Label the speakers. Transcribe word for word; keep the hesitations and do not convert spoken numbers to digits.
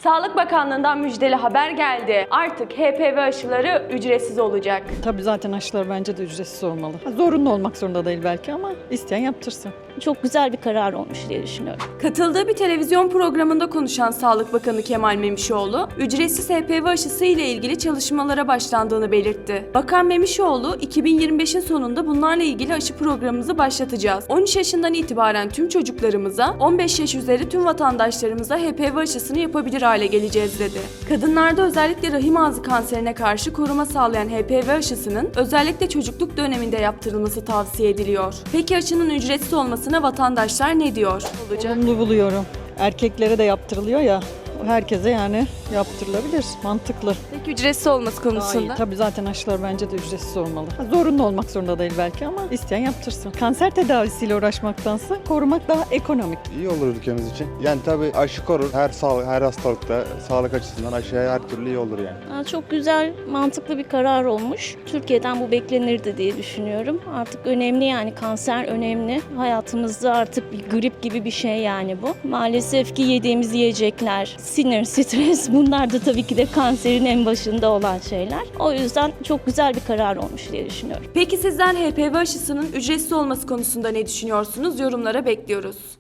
Speaker 1: Sağlık Bakanlığı'ndan müjdeli haber geldi. Artık H P V aşıları ücretsiz olacak.
Speaker 2: Tabii zaten aşılar bence de ücretsiz olmalı. Zorunlu olmak zorunda değil belki ama isteyen yaptırsın.
Speaker 3: Çok güzel bir karar olmuş diye düşünüyorum.
Speaker 1: Katıldığı bir televizyon programında konuşan Sağlık Bakanı Kemal Memişoğlu, ücretsiz H P V aşısı ile ilgili çalışmalara başlandığını belirtti. Bakan Memişoğlu, iki bin yirmi beşin sonunda bunlarla ilgili aşı programımızı başlatacağız. on üç yaşından itibaren tüm çocuklarımıza, on beş yaş üzeri tüm vatandaşlarımıza H P V aşısını yapabilir hale geleceğiz dedi. Kadınlarda özellikle rahim ağzı kanserine karşı koruma sağlayan H P V aşısının özellikle çocukluk döneminde yaptırılması tavsiye ediliyor. Peki aşının ücretsiz olmasına vatandaşlar ne diyor? Olacak.
Speaker 2: Olumlu buluyorum. Erkeklere de yaptırılıyor ya. Herkese yani yaptırılabilir. Mantıklı.
Speaker 1: Peki ücretsiz olması
Speaker 2: Daha iyi.
Speaker 1: konusunda?
Speaker 2: Tabii zaten aşılar bence de ücretsiz olmalı. Zorunlu olmak zorunda değil belki ama isteyen yaptırsın. Kanser tedavisiyle uğraşmaktansa korumak daha ekonomik.
Speaker 4: İyi olur ülkemiz için. Yani tabii aşı korur. Her sağlık, her hastalıkta sağlık açısından aşı her türlü iyi olur yani.
Speaker 3: Aa, Çok güzel, mantıklı bir karar olmuş. Türkiye'den bu beklenirdi diye düşünüyorum. Artık önemli yani kanser önemli. Hayatımızda artık bir grip gibi bir şey yani bu. Maalesef ki yediğimiz yiyecekler, sinir, stres bunlar da tabii ki de kanserin en başında olan şeyler. O yüzden çok güzel bir karar olmuş diye düşünüyorum.
Speaker 1: Peki sizden H P V aşısının ücretsiz olması konusunda ne düşünüyorsunuz? Yorumlara bekliyoruz.